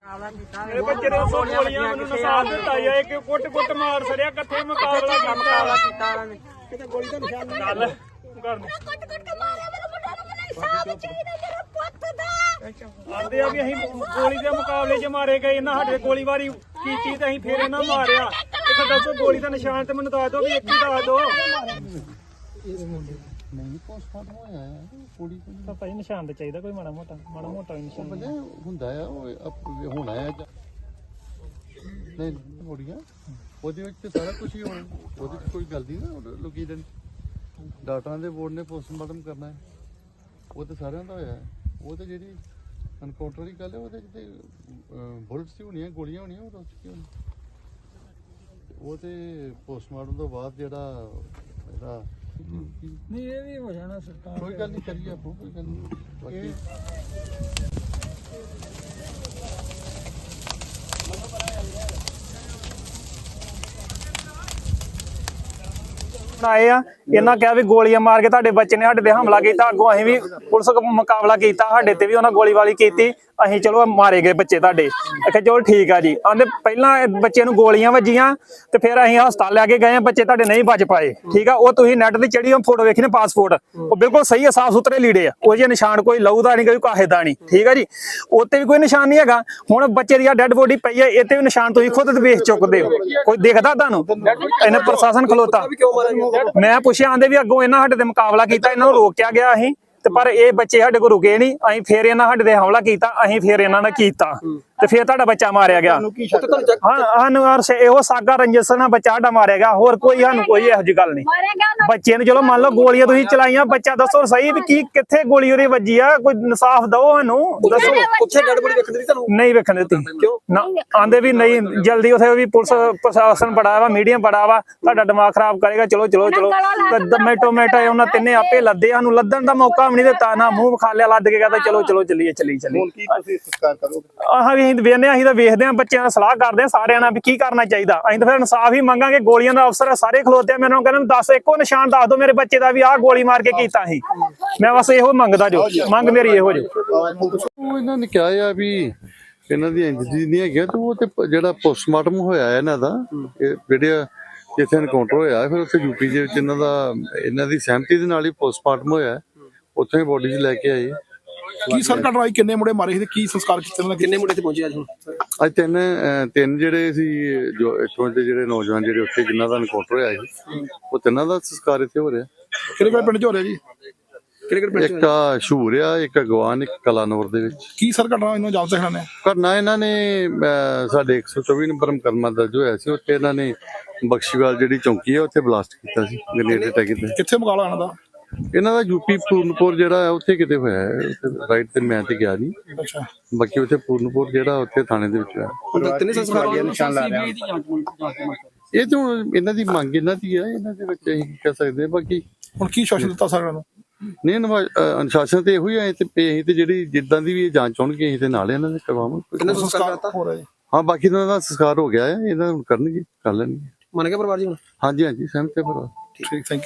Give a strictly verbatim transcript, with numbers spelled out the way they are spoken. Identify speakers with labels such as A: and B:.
A: ਮੇਰੇ ਬੱਚੇ ਨੇ ਸੌ ਗੋਲੀਆਂ ਮੈਨੂੰ ਨਸਾਲ ਦਿੱਤਾ ਯਾ ਇੱਕ ਕੁੱਟ ਕੁੱਟ ਮਾਰ ਸੜਿਆ ਕਿੱਥੇ ਮੁਕਾਬਲਾ ਮੁਕਾਬਲਾ ਕੀਤਾ ਉਹਨਾਂ ਨੇ ਕਿਤੇ ਗੋਲੀ ਦਾ ਨਿਸ਼ਾਨ ਨਹੀਂ ਗੱਲ ਕਰ ਕੁੱਟ ਕੁੱਟ ਕੇ ਮਾਰਿਆ ਮੇਰੇ ਮੁੰਡੇ ਨੂੰ ਮੈਨੂੰ ਇਨਸਾਫ ਚਾਹੀਦਾ ਮੇਰੇ ਪੁੱਤ ਦਾ ਆਂਦੇ ਆ ਵੀ ਅਸੀਂ ਗੋਲੀ ਦੇ ਮੁਕਾਬਲੇ 'ਚ ਮਾਰੇ ਗਏ ਇਹਨਾਂ ਸਾਡੇ ਗੋਲੀਬਾਰੀ ਕੀਤੀ ਤੇ ਅਸੀਂ ਫੇਰ ਇਹਨਾਂ ਮਾਰਿਆ ਇੱਥੇ ਦੱਸੋ ਗੋਲੀ ਦਾ ਨਿਸ਼ਾਨ ਤੇ ਮੈਨੂੰ ਦੱਸ ਦਿਓ ਵੀ ਇੱਕ ਹੀ ਦੱਸ ਦਿਓ
B: ਨਹੀਂ ਪੋਸਟਮਾਰਟਮ ਹੋਇਆ ਹੈ ਕੁੜੀ
A: ਤਾਂ ਭਾਈ ਨਿਸ਼ਾਨ ਤੇ ਚਾਹੀਦਾ ਕੋਈ ਮਾੜਾ ਮੋਟਾ ਮਾੜਾ ਮੋਟਾ ਨਿਸ਼ਾਨ
B: ਬੰਦੇ ਹੁੰਦਾ ਆ ਉਹ ਹੋਣਾ ਹੈ ਨਹੀਂ ਕੁੜੀਆਂ ਉਹਦੇ ਵਿੱਚ ਤੇ ਸਾਰਾ ਕੁਝ ਹੀ ਹੋਣਾ ਉਹਦੇ ਵਿੱਚ ਕੋਈ ਗੱਲ ਨਹੀਂ ਨਾ ਲੋਕੀ ਦੇ ਡਾਕਟਰਾਂ ਦੇ ਬੋਰਡ ਨੇ ਪੋਸਟਮਾਰਟਮ ਕਰਨਾ ਹੈ ਉਹ ਤੇ ਸਾਰਿਆਂ ਦਾ ਹੋਇਆ ਉਹ ਤੇ ਜਿਹੜੀ ਐਨਕਾਊਂਟਰ ਦੀ ਗੱਲ ਹੈ ਉਹਦੇ ਤੇ ਬੁਲਟਸ ਹੀ ਹੋਣੀਆਂ ਗੋਲੀਆਂ ਹੋਣੀਆਂ ਉਹ ਕੀ ਹੋਣੀ ਉਹ ਤੇ ਪੋਸਟਮਾਰਟਮ ਤੋਂ ਬਾਅਦ ਜਿਹੜਾ ਇਹਦਾ
A: ਨਹੀਂ ਇਹ ਵੀ ਹੋ ਜਾਣਾ ਸਰਕਾਰ
B: ਕੋਈ ਗੱਲ ਨਹੀਂ ਕਰੀਏ ਆਪੋ ਕੋਈ ਗੱਲ ਨਹੀਂ ਬਾਕੀ
A: ਆਏ ਆ ਇਹਨਾਂ ਕਿਹਾ ਵੀ ਗੋਲੀਆਂ ਮਾਰ ਕੇ ਤੁਹਾਡੇ ਬੱਚੇ ਨੇ ਸਾਡੇ ਤੇ ਹਮਲਾ ਕੀਤਾ ਅੱਗੋਂ ਅਸੀਂ ਵੀ ਪੁਲਿਸ ਮੁਕਾਬਲਾ ਕੀਤਾ ਸਾਡੇ ਤੇ ਵੀ ਉਹਨਾਂ ਗੋਲੀਬਾਰੀ ਕੀਤੀ ਅਸੀਂ ਚਲੋ ਮਾਰੇ ਗਏ ਬੱਚੇ ਤੁਹਾਡੇ ਆਖਿਆ ਚਲੋ ਠੀਕ ਆ ਜੀ ਆਂਦੇ ਪਹਿਲਾਂ ਬੱਚੇ ਨੂੰ ਗੋਲੀਆਂ ਵੱਜੀਆਂ ਤੇ ਫਿਰ ਅਸੀਂ ਹਸਪਤਾਲ ਲੈ ਕੇ ਗਏ ਆ ਬੱਚੇ ਤੁਹਾਡੇ ਨਹੀਂ ਬਚ ਪਾਏ ਠੀਕ ਆ ਉਹ ਤੁਸੀਂ ਨੈਟ ਤੇ ਚੜੀ ਫੋਟੋ ਵੇਖੀ ਨੇ ਪਾਸਪੋਰਟ ਉਹ ਬਿਲਕੁਲ ਸਹੀ ਆ ਸਾਫ ਸੁਥਰੇ ਲੀੜੇ ਆ ਉਹ ਜੇ ਨਿਸ਼ਾਨ ਕੋਈ ਲਹੂ ਦਾ ਨਹੀਂ ਕੋਈ ਕਾਹੇ ਦਾ ਨਹੀਂ ਠੀਕ ਆ ਜੀ ਉੱਤੇ ਵੀ ਕੋਈ ਨਿਸ਼ਾਨ ਨਹੀਂ ਹੈਗਾ ਹੁਣ ਬੱਚੇ ਦੀ ਆ ਡੈਡ ਬੋਡੀ ਪਈ ਆ ਇੱਥੇ ਵੀ ਨਿਸ਼ਾਨ ਤੁਸੀਂ ਖੁਦ ਵੇਖ ਚੁੱਕਦੇ ਹੋ ਕੋਈ ਦੇਖਦਾ ਤੁਹਾਨੂੰ ਇਹਨੇ ਪ੍ਰਸ਼ਾਸਨ ਖਲੋਤਾ ਮੈਂ ਪੁੱਛਿਆ ਆਂਦੇ ਵੀ ਅੱਗੋਂ ਇਹਨਾਂ ਸਾਡੇ ਤੇ ਮੁਕਾਬਲਾ ਕੀਤਾ ਇਹਨਾਂ ਨੂੰ ਰੋਕਿਆ ਗਿਆ ਅਸੀਂ ਤੇ ਪਰ ਇਹ ਬੱਚੇ ਸਾਡੇ ਕੋਲ ਰੁਕੇ ਨਹੀਂ ਅਸੀਂ ਫੇਰ ਇਹਨਾਂ ਸਾਡੇ ਤੇ ਹਮਲਾ ਕੀਤਾ ਅਸੀਂ ਫੇਰ ਇਹਨਾਂ ਨੇ ਕੀਤਾ ਤੇ ਫੇਰ ਤੁਹਾਡਾ ਬੱਚਾ ਮਾਰਿਆ ਗਿਆ ਹਾਂ ਸਾਨੂੰ ਇਹੋ ਸਾਗਾ ਰੰਜਸ ਨਾਲ ਬੱਚਾ ਸਾਡਾ ਮਾਰਿਆ ਗਿਆ ਹੋਰ ਕੋਈ ਸਾਨੂੰ ਕੋਈ ਇਹੋ ਜਿਹੀ ਗੱਲ ਨਹੀਂ ਬੱਚੇ ਨੂੰ ਚਲੋ ਮੰਨ ਲਓ ਗੋਲੀਆਂ ਤੁਸੀਂ ਚਲਾਈਆਂ ਬੱਚਾ ਦੱਸੋ ਸਹੀ ਵੀ ਕੀ ਕਿੱਥੇ ਗੋਲੀ ਉਹਦੀ ਵੱਜੀ ਆ ਕੋਈ ਇਨਸਾਫ ਦਿਓ ਸਾਨੂੰ ਦੱਸੋ
C: ਉੱਥੇ ਡੈਡ ਬੋਡੀ ਵੇਖਣ ਦੀ ਤੁਹਾਨੂੰ
A: ਨਹੀਂ ਵੇਖਣ ਦਿੱਤੀ ਨਾ ਆਂਦੇ ਵੀ ਨਹੀਂ ਜਲਦੀ ਉਥੇ ਵੀ ਪੁਲਿਸ ਪ੍ਰਸ਼ਾਸਨ ਬੜਾ ਵਾ ਮੀਡੀਆ ਬੜਾ ਵਾ ਤੁਹਾਡਾ ਦਿਮਾਗ ਖਰਾਬ ਕਰੇਗਾ ਚਲੋ ਚਲੋ ਚਲੋ ਦਮੇ ਟੋਮੇਟੋ ਉਹਨਾਂ ਤਿੰਨੇ ਆਪੇ ਲੱਦੇ ਸਾਨੂੰ ਲੱਦਣ ਦਾ ਮੌਕਾ ਵੀ ਨਹੀਂ ਦਿੱਤਾ ਨਾ ਮੂੰਹ ਖਾ ਲਿਆ ਲੱਦ ਕੇ ਕਹਿੰਦਾ ਚਲੋ ਚਲੋ ਚੱਲੀਏ ਚੱਲੀ ਚੱਲੀ
B: ਹੁਣ ਕੀ ਤੁਸੀਂ ਸੰਸਕਾਰ ਕਰੋਗੇ
A: ਆਹ ਵੀ ਅਸੀਂ ਵੇਖਦੇ ਅਸੀਂ ਤਾਂ ਵੇਖਦੇ ਹਾਂ ਬੱਚਿਆਂ ਨਾਲ ਸਲਾਹ ਕਰਦੇ ਹਾਂ ਸਾਰਿਆਂ ਨਾਲ ਵੀ ਕੀ ਕਰਨਾ ਚਾਹੀਦਾ ਅਸੀਂ ਤਾਂ ਫਿਰ ਇਨਸਾਫ ਹੀ ਮੰਗਾਂਗੇ ਗੋਲੀਆਂ ਦਾ ਅਫਸਰ ਸਾਰੇ ਖਲੋਤੇ ਆ ਮੈਨੂੰ ਕਹਿੰਦੇ ਦੱਸ ਇੱਕੋ ਨਿਸ਼ਾਨ ਦੱਸ ਦਿਓ ਮੇਰੇ ਬੱਚੇ ਦਾ ਵੀ ਆਹ ਗੋਲੀ ਮਾਰ ਕੇ ਕੀਤਾ ਸੀ ਮੈਂ ਬਸ ਇਹੋ ਮੰਗਦਾ ਜੋ ਮੰਗ ਮੇਰੀ ਇਹੋ ਜੋ
B: ਉਹ ਇਹਨਾਂ ਨੇ ਕਿਹਾ ਆ ਵੀ ਇਹਨਾਂ ਦੀ ਇੰਜਰੀ ਨਹੀਂ ਹੈਗੀ ਤੇ ਉਹ ਤੇ ਜਿਹੜਾ ਪੋਸਟਮਾਰਟਮ ਹੋਇਆ ਇਹਨਾਂ ਦਾ ਜਿਹੜੇ ਜਿੱਥੇ ਐਨਕਾਊਂਟਰ ਹੋਇਆ ਫਿਰ ਉੱਥੇ ਯੂਪੀ ਦੇ ਵਿੱਚ ਇਹਨਾਂ ਦਾ ਇਹਨਾਂ ਦੀ ਸਹਿਮਤੀ ਦੇ ਨਾਲ ਹੀ ਪੋਸਟਮਾਰਟਮ ਹੋਇਆ ਉੱਥੇ ਹੀ ਬੋਡੀ 'ਚ ਲੈ ਕੇ ਆਏ
C: ਕੀ ਸਰ ਘਟਨਾਈ ਕਿੰਨੇ ਮੁੰਡੇ ਮਾਰੇ ਸੀ ਤੇ ਕੀ ਸੰਸਕਾਰ ਕੀਤੇ ਉਹਨਾਂ ਕਿੰਨੇ ਮੁੰਡੇ ਤੇ ਪਹੁੰਚੇ ਅੱਜ ਹੁਣ
B: ਅੱਜ ਤਿੰਨ ਤਿੰਨ ਜਿਹੜੇ ਸੀ ਜੋ ਇੱਥੋਂ ਦੇ ਜਿਹੜੇ ਨੌਜਵਾਨ ਜਿਹੜੇ ਉੱਥੇ ਜਿਨ੍ਹਾਂ ਦਾ ਐਨਕਾਊਂਟਰ ਹੋਇਆ ਸੀ ਉਹ ਤਿੰਨਾਂ ਦਾ ਸੰਸਕਾਰ ਇੱਥੇ ਹੋ ਰਿਹਾ
C: ਕਿਹੜੇ ਕਿਹੜੇ ਪਿੰਡ 'ਚ ਹੋ ਰਿਹਾ ਜੀ ਕਿਹੜੇ ਕਿਹੜੇ ਪਿੰਡ
B: ਇੱਕ ਆ ਸ਼ੂਰ ਆ ਇੱਕ ਅਗਵਾਨ ਇੱਕ ਕਲਾਨੌਰ ਦੇ ਵਿੱਚ
C: ਕੀ ਸਰ ਘਟਨਾ ਇਹਨਾਂ ਜਾਣ ਸਿਖਣਾ ਨੇ
B: ਕਰਨਾ ਇਹਨਾਂ ਨੇ ਸਾਡੇ ਇੱਕ ਸੌ ਚੌਵੀ ਨੰਬਰ ਮੁਕੱਦਮਾ ਦਰਜ ਹੋਇਆ ਸੀ ਉੱਥੇ ਇਹਨਾਂ ਨੇ ਬਖਸ਼ੀਵਾਲ ਜਿਹੜੀ ਚੌਂਕੀ ਹੈ ਉੱਥੇ ਬਲਾਸਟ ਕੀਤਾ ਸੀ ਗ੍ਰੇਨੇਡ ਅਟੈਕ ਕੀਤਾ
C: ਕਿੱਥੇ ਮੁਕਾਬਲਾ ਇਹਨਾਂ ਦਾ
B: ਇਹਨਾਂ ਦਾ ਯੂਪੀ ਪੂਰਨਪੁਰ ਜਿਹੜਾ ਹੈ ਉੱਥੇ ਕਿਤੇ ਹੋਇਆ ਹੈ ਰਾਈਟ ਤੇ ਮੈਂ ਤੇ ਗਿਆ ਨਹੀਂ
C: ਅੱਛਾ
B: ਬਾਕੀ ਉੱਥੇ ਪੂਰਨਪੁਰ ਜਿਹੜਾ ਉੱਥੇ ਥਾਣੇ ਦੇ ਵਿੱਚ ਹੈ
C: ਤਿੰਨੇ ਸੰਸਕਾਰ ਦੇ ਨਿਸ਼ਾਨ ਲਾ ਰਿਹਾ
B: ਇਹ ਤਾਂ ਇਹਨਾਂ ਦੀ ਮੰਗ ਇਹਨਾਂ ਦੀ ਹੈ ਇਹਨਾਂ ਦੇ ਵਿੱਚ ਅਸੀਂ ਕਹਿ ਸਕਦੇ ਬਾਕੀ
C: ਹੁਣ ਕੀ ਸ਼ਾਸਨ ਦਿੱਤਾ ਸਰ ਇਹਨਾਂ ਨੂੰ
B: ਨਹੀਂ ਅਨੁਸ਼ਾਸਨ ਤੇ ਇਹੋ ਹੀ ਹੈ ਤੇ ਅਸੀਂ ਤੇ ਜਿਹੜੀ ਜਿੱਦਾਂ ਦੀ ਵੀ ਇਹ ਜਾਂਚ ਹੋਣਗੇ ਅਸੀਂ ਤੇ ਨਾਲ ਇਹਨਾਂ ਦੇ ਕਰਵਾਵਾਂਗੇ
C: ਸੰਸਕਾਰ ਹੋ ਰਿਹਾ ਜੀ
B: ਹਾਂ ਬਾਕੀ ਇਹਨਾਂ ਦਾ ਸੰਸਕਾਰ ਹੋ ਗਿਆ ਹੈ ਇਹਨਾਂ ਨੂੰ ਕਰਨਗੇ ਕਰ ਲੈਣਗੇ
C: ਮੰਨ ਗਿਆ ਪਰਿਵਾਰ ਜੀ ਹੁਣ
B: ਹਾਂਜੀ ਹਾਂਜੀ ਸਹਿਮਤ ਹੈ ਪਰਿਵਾਰ
C: ਠੀਕ ਥੈਂਕ ਯੂ